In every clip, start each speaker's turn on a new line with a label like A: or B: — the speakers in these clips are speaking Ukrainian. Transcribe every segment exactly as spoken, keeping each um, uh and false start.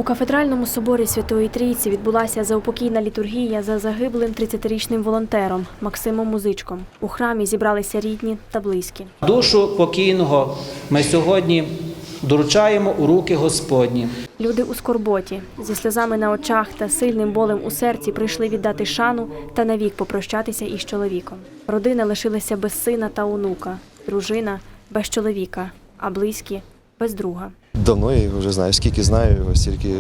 A: У кафедральному соборі Святої Трійці відбулася заупокійна літургія за загиблим тридцятирічним волонтером Максимом Музичком. У храмі зібралися рідні та близькі.
B: Душу покійного ми сьогодні доручаємо у руки Господні.
A: Люди у скорботі, зі сльозами на очах та сильним болем у серці прийшли віддати шану та навік попрощатися із чоловіком. Родина лишилася без сина та онука, дружина без чоловіка, а близькі без друга.
C: Давно я його вже знаю, скільки знаю його, стільки.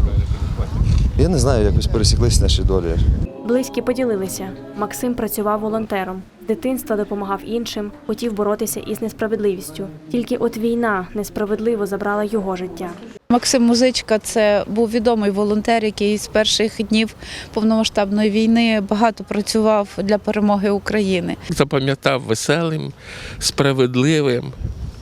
C: Я не знаю, якось пересіклися наші долі.
A: Близькі поділилися. Максим працював волонтером. З дитинства допомагав іншим, хотів боротися із несправедливістю. Тільки от війна несправедливо забрала його життя.
D: Максим Музичка – це був відомий волонтер, який з перших днів повномасштабної війни багато працював для перемоги України.
E: Запам'ятав веселим, справедливим,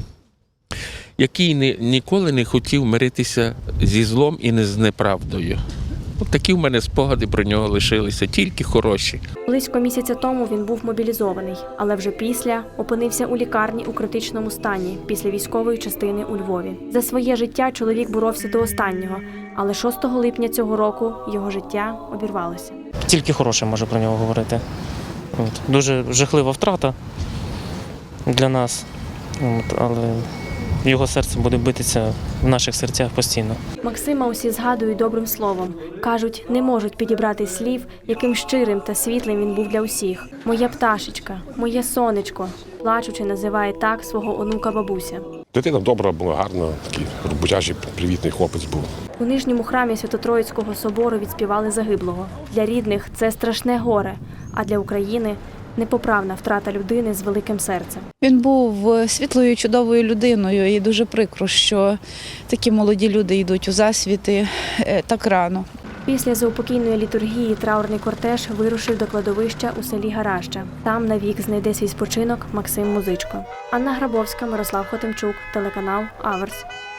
E: який ні, ніколи не хотів миритися зі злом і не з неправдою. От такі в мене спогади про нього лишилися, тільки хороші.
A: Близько місяця тому він був мобілізований, але вже після опинився у лікарні у критичному стані після військової частини у Львові. За своє життя чоловік боровся до останнього, але шостого липня цього року його життя обірвалося.
F: Тільки хороше можу про нього говорити. От. Дуже жахлива втрата для нас, От. але його серце буде битися в наших серцях постійно.
A: Максима усі згадують добрим словом. Кажуть, не можуть підібрати слів, яким щирим та світлим він був для усіх. «Моя пташечка», «Моє сонечко», плачучи, називає так свого онука бабуся.
G: Дитина добра була, гарна, такий роботяжий, привітний хлопець був.
A: У нижньому храмі Свято-Троїцького собору відспівали загиблого. Для рідних це страшне горе, а для України – непоправна втрата людини з великим серцем.
D: Він був світлою, чудовою людиною і дуже прикро, що такі молоді люди йдуть у засвіти так рано.
A: Після заупокійної літургії траурний кортеж вирушив до кладовища у селі Гараща. Там навік знайде свій спочинок Максим Музичко. Анна Грабовська, Мирослав Хотимчук, телеканал Аверс.